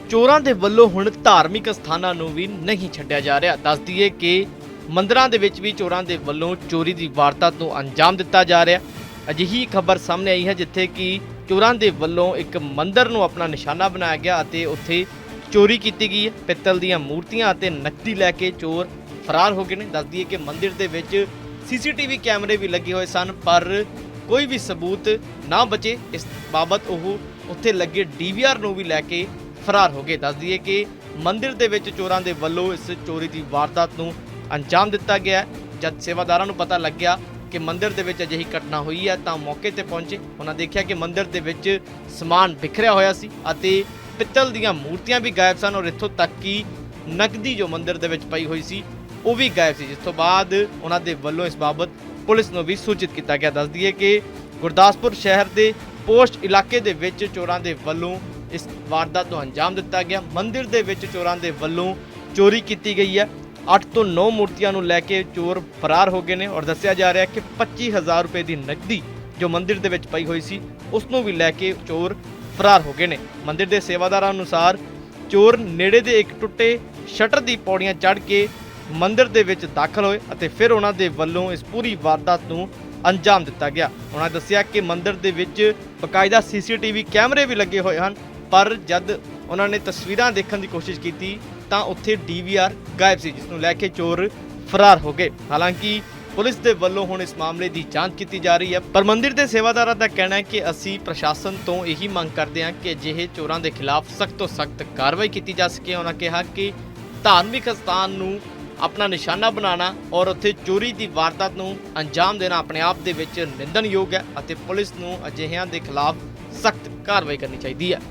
ਚੋਰਾਂ ਦੇ ਵੱਲੋਂ ਹੁਣ ਧਾਰਮਿਕ ਸਥਾਨਾਂ ਨੂੰ ਵੀ ਨਹੀਂ ਛੱਡਿਆ ਜਾ ਰਿਹਾ। ਦੱਸ ਦਈਏ ਕਿ ਮੰਦਰਾਂ ਦੇ ਵਿੱਚ ਵੀ ਚੋਰਾਂ ਦੇ ਵੱਲੋਂ ਚੋਰੀ ਦੀ ਵਾਰਦਾਤ ਨੂੰ ਅੰਜਾਮ ਦਿੱਤਾ ਜਾ ਰਿਹਾ। ਅਜਿਹੀ ਖਬਰ ਸਾਹਮਣੇ ਆਈ ਹੈ ਜਿੱਥੇ ਕਿ ਚੋਰਾਂ ਦੇ ਵੱਲੋਂ ਇੱਕ ਮੰਦਿਰ ਨੂੰ ਆਪਣਾ ਨਿਸ਼ਾਨਾ ਬਣਾਇਆ ਗਿਆ ਅਤੇ ਉੱਥੇ ਚੋਰੀ ਕੀਤੀ ਗਈ ਹੈ। ਪਿੱਤਲ ਦੀਆਂ ਮੂਰਤੀਆਂ ਅਤੇ ਨਕਦੀ ਲੈ ਕੇ ਚੋਰ ਫਰਾਰ ਹੋ ਗਏ ਨੇ। ਦੱਸ ਦਈਏ ਕਿ ਮੰਦਿਰ ਦੇ ਵਿੱਚ ਸੀਸੀਟੀਵੀ ਕੈਮਰੇ ਵੀ ਲੱਗੇ ਹੋਏ ਸਨ, ਪਰ ਕੋਈ ਵੀ ਸਬੂਤ ਨਾ ਬਚੇ। ਇਸ ਬਾਬਤ ਉਹ ਉੱਥੇ ਲੱਗੇ ਡੀਵੀਆਰ ਨੂੰ ਵੀ ਲੈ ਕੇ ਫਰਾਰ ਹੋ ਗਏ। ਦੱਸ ਦਈਏ ਕਿ ਮੰਦਿਰ ਦੇ ਵਿੱਚ ਚੋਰਾਂ ਦੇ ਵੱਲੋਂ ਇਸ ਚੋਰੀ ਦੀ ਵਾਰਦਾਤ ਨੂੰ ਅੰਜਾਮ ਦਿੱਤਾ ਗਿਆ ਹੈ। ਜਦ ਸੇਵਾਦਾਰਾਂ ਨੂੰ ਪਤਾ ਲੱਗਿਆ ਕਿ ਮੰਦਿਰ ਦੇ ਵਿੱਚ ਅਜਿਹੀ ਘਟਨਾ ਹੋਈ ਹੈ ਤਾਂ ਮੌਕੇ ਤੇ ਪਹੁੰਚੇ। ਉਹਨਾਂ ਦੇਖਿਆ ਕਿ ਮੰਦਿਰ ਦੇ ਵਿੱਚ ਸਮਾਨ ਬਿਖਰਿਆ ਹੋਇਆ ਸੀ ਅਤੇ ਪਿੱਤਲ ਦੀਆਂ ਮੂਰਤੀਆਂ ਵੀ ਗਾਇਬ ਸਨ ਔਰ ਇੱਥੋਂ ਤੱਕ ਕਿ ਨਕਦੀ ਜੋ ਮੰਦਿਰ ਦੇ ਵਿੱਚ ਪਈ ਹੋਈ ਸੀ ਉਹ ਵੀ ਗਾਇਬ ਸੀ, ਜਿਸ ਤੋਂ ਬਾਅਦ ਉਹਨਾਂ ਦੇ ਵੱਲੋਂ ਇਸ ਬਾਬਤ ਪੁਲਿਸ ਨੂੰ ਵੀ ਸੂਚਿਤ ਕੀਤਾ ਗਿਆ। ਦੱਸ ਦਈਏ ਕਿ ਗੁਰਦਾਸਪੁਰ ਸ਼ਹਿਰ ਦੇ ਪੋਸਟ ਇਲਾਕੇ ਦੇ ਵਿੱਚ ਚੋਰਾਂ ਦੇ ਵੱਲੋਂ ਇਸ ਵਾਰਦਾਤ ਨੂੰ ਅੰਜਾਮ ਦਿੱਤਾ ਗਿਆ। ਮੰਦਿਰ ਦੇ ਵਿੱਚ ਚੋਰਾਂ ਦੇ ਵੱਲੋਂ ਚੋਰੀ ਕੀਤੀ ਗਈ ਹੈ। 8 ਤੋਂ 9 ਮੂਰਤੀਆਂ ਨੂੰ ਲੈ ਕੇ ਚੋਰ ਫਰਾਰ ਹੋ ਗਏ ਨੇ ਔਰ ਦੱਸਿਆ ਜਾ ਰਿਹਾ ਕਿ 25,000 ਰੁਪਏ ਦੀ ਨਕਦੀ ਜੋ ਮੰਦਿਰ ਦੇ ਵਿੱਚ ਪਈ ਹੋਈ ਸੀ ਉਸ ਨੂੰ ਵੀ ਲੈ ਕੇ ਚੋਰ ਫਰਾਰ ਹੋ ਗਏ ਨੇ। ਮੰਦਿਰ ਦੇ ਸੇਵਾਦਾਰਾਂ ਅਨੁਸਾਰ ਚੋਰ ਨੇੜੇ ਦੇ ਇੱਕ ਟੁੱਟੇ ਸ਼ਟਰ ਦੀ ਪੌੜੀਆਂ ਚੜ੍ਹ ਕੇ ਮੰਦਿਰ ਦੇ ਵਿੱਚ ਦਾਖਲ ਹੋਏ ਅਤੇ ਫਿਰ ਉਹਨਾਂ ਦੇ ਵੱਲੋਂ ਇਸ ਪੂਰੀ ਵਾਰਦਾਤ ਨੂੰ ਅੰਜਾਮ ਦਿੱਤਾ ਗਿਆ। ਉਹਨਾਂ ਦੱਸਿਆ ਕਿ ਮੰਦਿਰ ਦੇ ਵਿੱਚ ਬਕਾਇਦਾ ਸੀਸੀਟੀਵੀ ਕੈਮਰੇ ਵੀ ਲੱਗੇ ਹੋਏ ਹਨ, ਪਰ ਜਦ ਉਹਨਾਂ ਨੇ ਤਸਵੀਰਾਂ ਦੇਖਣ ਦੀ ਕੋਸ਼ਿਸ਼ ਕੀਤੀ ਤਾਂ ਉੱਥੇ ਡੀਵੀਆਰ ਗਾਇਬ ਸੀ, ਜਿਸ ਨੂੰ ਲੈ ਕੇ ਚੋਰ ਫਰਾਰ ਹੋ ਗਏ। ਹਾਲਾਂਕਿ ਪੁਲਿਸ ਦੇ ਵੱਲੋਂ ਹੁਣ ਇਸ ਮਾਮਲੇ ਦੀ ਜਾਂਚ ਕੀਤੀ ਜਾ ਰਹੀ ਹੈ, ਪਰ ਮੰਦਿਰ ਦੇ ਸੇਵਾਦਾਰਾਂ ਦਾ ਕਹਿਣਾ ਹੈ ਕਿ ਅਸੀਂ ਪ੍ਰਸ਼ਾਸਨ ਤੋਂ ਇਹੀ ਮੰਗ ਕਰਦੇ ਹਾਂ ਕਿ ਅਜਿਹੇ ਚੋਰਾਂ ਦੇ ਖਿਲਾਫ ਸਖਤ ਤੋਂ ਸਖਤ ਕਾਰਵਾਈ ਕੀਤੀ ਜਾ ਸਕੇ। ਉਹਨਾਂ ਕਿਹਾ ਕਿ ਧਾਰਮਿਕ ਸਥਾਨ ਨੂੰ ਆਪਣਾ ਨਿਸ਼ਾਨਾ ਬਣਾਉਣਾ ਔਰ ਉੱਥੇ ਚੋਰੀ ਦੀ ਵਾਰਦਾਤ ਨੂੰ ਅੰਜਾਮ ਦੇਣਾ ਆਪਣੇ ਆਪ ਦੇ ਵਿੱਚ ਨਿੰਦਣਯੋਗ ਹੈ ਅਤੇ ਪੁਲਿਸ ਨੂੰ ਅਜਿਹਿਆਂ ਦੇ ਖਿਲਾਫ ਸਖਤ ਕਾਰਵਾਈ ਕਰਨੀ ਚਾਹੀਦੀ ਹੈ।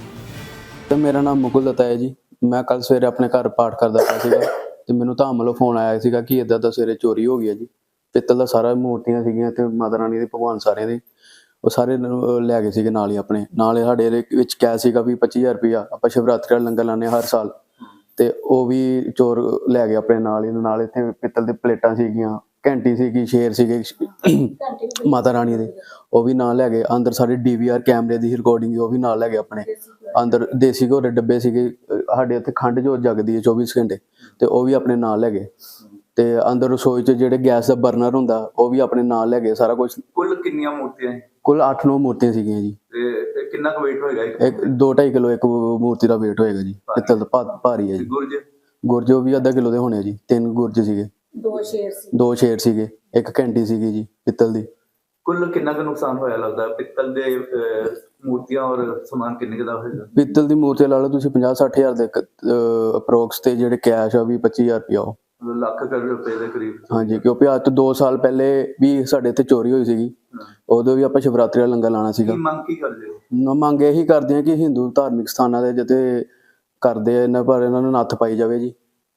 ਮੇਰਾ ਨਾਮ ਮੁਕੁਲ ਦੱਤਾ ਹੈ ਜੀ। ਮੈਂ ਕੱਲ ਸਵੇਰੇ ਆਪਣੇ ਘਰ ਪਾਠ ਕਰਦਾ ਪਿਆ ਸੀਗਾ ਤੇ ਮੈਨੂੰ ਧਾਮ ਵੱਲੋਂ ਫੋਨ ਆਇਆ ਸੀਗਾ ਕਿ ਇੱਦਾਂ ਦਾ ਸਵੇਰੇ ਚੋਰੀ ਹੋ ਗਈ ਹੈ ਜੀ। ਪਿੱਤਲ ਦਾ ਸਾਰਾ ਮੂਰਤੀਆਂ ਸੀਗੀਆਂ ਤੇ ਮਾਤਾ ਰਾਣੀ ਦੇ ਭਗਵਾਨ ਸਾਰਿਆਂ ਦੇ ਉਹ ਸਾਰੇ ਲੈ ਗਏ ਸੀਗੇ। ਨਾਲ ਹੀ ਆਪਣੇ ਨਾਲ ਸਾਡੇ ਵਿੱਚ ਕੈਸ਼ ਸੀਗਾ ਵੀ 25,000 ਰੁਪਇਆ। ਆਪਾਂ ਸ਼ਿਵਰਾਤਰੀ ਦਾ ਲੰਗਰ ਲਾਉਂਦੇ ਹਰ ਸਾਲ ਤੇ ਉਹ ਵੀ ਚੋਰ ਲੈ ਗਏ ਆਪਣੇ ਨਾਲ ਹੀ। ਨਾਲ ਇੱਥੇ ਪਿੱਤਲ ਦੇ ਪਲੇਟਾਂ ਸੀਗੀਆਂ, ਘੰਟੀ ਸੀਗੀ, ਸ਼ੇਰ ਸੀਗੇ ਮਾਤਾ ਰਾਣੀ ਦੇ, ਉਹ ਵੀ ਨਾਲ ਲੈ ਗਏ। ਅੰਦਰ ਸਾਰੇ ਡੀਵੀਆਰ ਕੈਮਰੇ ਦੀ ਰਿਕਾਰਡਿੰਗ ਉਹ ਵੀ ਨਾਲ ਲੈ ਗਏ ਆਪਣੇ। ਅੰਦਰ ਦੇਸੀ ਘੋੜੇ ਡੱਬੇ ਸੀਗੇ, ਸਾਡੇ ਇੱਥੇ ਖੰਡ ਜੋ ਜਗਦੀ ਹੈ 24 ਘੰਟੇ ਤੇ ਉਹ ਵੀ ਆਪਣੇ ਨਾਲ ਲੈ ਗਏ। ਤੇ ਅੰਦਰ ਰਸੋਈ 'ਚ ਜਿਹੜੇ ਗੈਸ ਦਾ ਬਰਨਰ ਹੁੰਦਾ ਉਹ ਵੀ ਆਪਣੇ ਨਾਲ ਲੈ ਗਏ ਸਾਰਾ ਕੁਝ। ਕੁੱਲ ਕਿੰਨੀਆਂ ਮੂਰਤੀਆਂ? ਕੁੱਲ 8-9 ਮੂਰਤੀਆਂ ਸੀਗੀਆਂ ਜੀ। ਤੇ ਕਿੰਨਾ ਕੁ weight ਹੋਏਗਾ? 2-2.5 ਕਿਲੋ ਇੱਕ ਮੂਰਤੀ ਦਾ weight ਹੋਏਗਾ ਜੀ। ਪਿੱਤਲ ਦਾ ਭਾਰੀ ਹੈ ਜੀ। ਗੁਰਜ ਉਹ ਵੀ ਅੱਧਾ ਕਿਲੋ ਦੇ ਹੋਣੇ ਜੀ। 3 ਗੁਰਜ ਸੀਗੇ, 2 ਸ਼ੇਰ ਸੀਗੇ, ਇੱਕ ਘੰਟੀ ਸੀਗੀ ਜੀ ਪਿੱਤਲ ਦੀ। ਕੁੱਲ ਕਿੰਨਾ ਕੁ ਨੁਕਸਾਨ ਹੋਇਆ ਲੱਗਦਾ ਪਿੱਤਲ ਦੇ ਮੂਰਤੀਆਂ ਔਰ ਸਮਾਨ ਕਿੰਨੇ ਕੁ ਦਾ ਹੋਏਗਾ? ਪਿੱਤਲ ਦੀ ਮੂਰਤੀ ਲਾ ਲਓ ਤੁਸੀਂ 50-60 ਹਜ਼ਾਰ ਦੇ ਅਪਰੋਕਸ ਤੇ ਜਿਹੜੇ ਕੈਸ਼ ਆ ਵੀ 25,000 ਰੁਪਇਆ ਉਹ ਲੱਖ ਰੁਪਏ ਦੇ ਕਰੀਬ। ਹਾਂਜੀ, ਕਿਉਂਕਿ ਅੱਜ ਤੋਂ 2 ਸਾਲ ਪਹਿਲੇ ਵੀ ਸਾਡੇ ਇੱਥੇ ਚੋਰੀ ਹੋਈ ਸੀਗੀ। ਉਦੋਂ ਵੀ ਆਪਾਂ ਸ਼ਿਵਰਾਤਰੀ ਦਾ ਲੰਗਰ ਲਾਣਾ ਸੀਗਾ। ਮੰਗ ਕੀ ਕਰਦੇ ਹੋ? ਮੰਗ ਇਹੀ ਕਰਦੇ ਆ ਕਿ ਹਿੰਦੂ ਧਾਰਮਿਕ ਸਥਾਨਾਂ ਦੇ ਜਿੱਥੇ ਕਰਦੇ ਆ ਇਹਨਾਂ ਪਰ ਇਹਨਾਂ ਨੂੰ ਨੱਥ ਪਾਈ ਜਾਵੇ ਜੀ।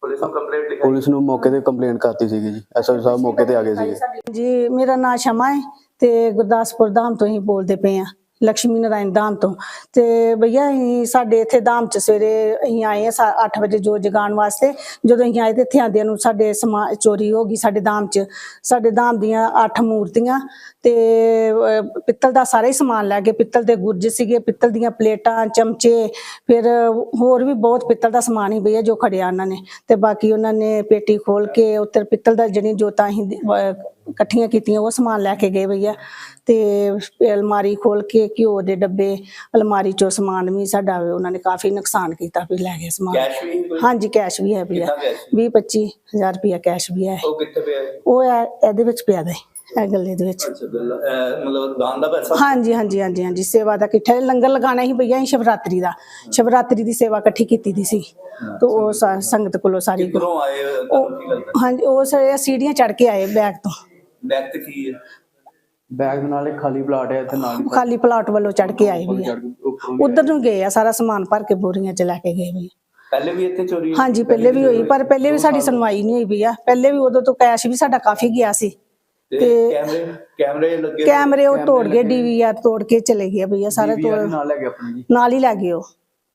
ਪੁਲਿਸ ਨੂੰ ਮੌਕੇ ਤੇ ਕੰਪਲੇਂਟ ਕਰਤੀ ਸੀਗੀ ਜੀ। ਐਸਐਸਪੀ ਸਾਹਿਬ ਮੌਕੇ ਤੇ ਆ ਗਏ ਸੀਗੇ ਜੀ। ਮੇਰਾ ਨਾਮ ਸ਼ਮਾ ਹੈ ਤੇ ਗੁਰਦਾਸਪੁਰ ਧਾਮ ਤੋਂ ਹੀ ਬੋਲਦੇ ਪਏ ਆ, ਲక్ష్ਮੀ ਨਾਰਾਇਣ ਧਾਮ ਤੋਂ। ਤੇ ਭਈਆ ਅਸੀਂ ਸਾਡੇ ਇੱਥੇ ਧਾਮ ਚ ਸਵੇਰੇ ਅਸੀਂ ਆਏ ਆ 8 ਵਜੇ ਜੋਤ ਜਗਾਉਣ ਵਾਸਤੇ। ਜਦੋਂ ਅਸੀਂ ਆਏ ਤੇ ਇੱਥੇ ਆਉਂਦਿਆਂ ਨੂੰ ਸਾਡੇ ਸਮਾਨ ਚੋਰੀ ਹੋ ਗਈ ਸਾਡੇ ਧਾਮ ਚ। ਸਾਡੇ ਧਾਮ ਦੀਆਂ 8 ਮੂਰਤੀਆਂ ਤੇ ਪਿੱਤਲ ਦਾ ਸਾਰਾ ਹੀ ਸਮਾਨ ਲੈ ਗਏ। ਪਿੱਤਲ ਦੇ ਗੁਰਜ ਸੀਗੇ, ਪਿੱਤਲ ਦੀਆਂ ਪਲੇਟਾਂ, ਚਮਚੇ, ਫਿਰ ਹੋਰ ਵੀ ਬਹੁਤ ਪਿੱਤਲ ਦਾ ਸਮਾਨ ਹੀ ਭਈਆ ਜੋ ਖੜਿਆ ਉਹਨਾਂ ਨੇ। ਤੇ ਬਾਕੀ ਉਹਨਾਂ ਨੇ ਪੇਟੀ ਖੋਲ ਕੇ ਉੱਤਰ ਪਿੱਤਲ ਦਾ ਜਿਹੜੀਆਂ ਜੋਤਾਂ ਅਸੀਂ ਇਕੱਠੀਆਂ ਕੀਤੀਆਂ ਉਹ ਸਮਾਨ ਲੈ ਕੇ ਗਏ ਭਈਆ। ਤੇ ਅਲਮਾਰੀ ਖੋਲ ਕੇ ਘਿਓ ਦੇ ਡੱਬੇ, ਅਲਮਾਰੀ ਚੋਂ ਸਮਾਨ ਵੀ ਸਾਡਾ ਉਹਨਾਂ ਨੇ ਕਾਫੀ ਨੁਕਸਾਨ ਕੀਤਾ ਵੀ ਲੈ ਗਏ ਸਮਾਨ। ਹਾਂਜੀ, ਕੈਸ਼ ਵੀ ਹੈ ਭਈਆ। 20-25 ਹਜ਼ਾਰ ਰੁਪਇਆ ਕੈਸ਼ ਵੀ ਹੈ। ਉਹ ਕਿੱਥੇ ਪਿਆ? ਉਹ ਇਹਦੇ ਵਿੱਚ ਪਿਆ ਦੇ ਇਹ ਗੱਲੇ ਦੇ ਵਿੱਚ। ਮਤਲਬ ਦਾਨ ਦਾ ਪੈਸਾ? ਹਾਂਜੀ, ਸੇਵਾ ਦਾ ਇਕੱਠਾ ਲੰਗਰ ਲਗਾਉਣਾ ਹੀ ਭਈਆ। ਅਸੀਂ ਸ਼ਿਵਰਾਤਰੀ ਦਾ ਸ਼ਿਵਰਾਤਰੀ ਦੀ ਸੇਵਾ ਇਕੱਠੀ ਕੀਤੀ ਦੀ ਸੀ ਤੇ ਉਹ ਸੰਗਤ ਕੋਲੋਂ ਸਾਰੀ। ਹਾਂਜੀ, ਉਹ ਸੀੜੀਆਂ ਚੜ ਕੇ ਆਏ ਬੈਗ ਤੋਂ। ਬੈਗ ਤੇ ਕੀ ਹੈ? ਬੈਗ ਨਾਲ ਇੱਕ ਖਾਲੀ ਪਲਾਟ ਹੈ ਇੱਥੇ ਨਾਲ। ਖਾਲੀ ਪਲਾਟ ਵੱਲੋਂ ਚੜ ਕੇ ਆਏ ਵੀ ਉਧਰ ਨੂੰ ਗਏ ਆ। ਸਾਰਾ ਸਮਾਨ ਭਰ ਕੇ ਬੋਰੀਆਂ ਚ ਲੈ ਕੇ ਗਏ ਵੀ। ਪਹਿਲੇ ਵੀ ਇੱਥੇ ਚੋਰੀ? ਹਾਂਜੀ, ਪਹਿਲੇ ਵੀ ਹੋਈ, ਪਰ ਪਹਿਲੇ ਵੀ ਸਾਡੀ ਸੁਣਵਾਈ ਨਹੀਂ ਹੋਈ ਭਈਆ। ਪਹਿਲੇ ਵੀ ਉਦੋਂ ਤੋਂ ਕੈਸ਼ ਵੀ ਸਾਡਾ ਕਾਫੀ ਗਿਆ ਸੀ। ਤੇ ਕੈਮਰੇ ਉਹ ਤੋੜ ਗਏ, ਡੀਵੀਆਰ ਤੋੜ ਕੇ ਚਲੇ ਗਏ ਭਈਆ। ਸਾਰੇ ਤੋੜ ਨਾਲ ਹੀ ਲੈ ਗਏ ਉਹ।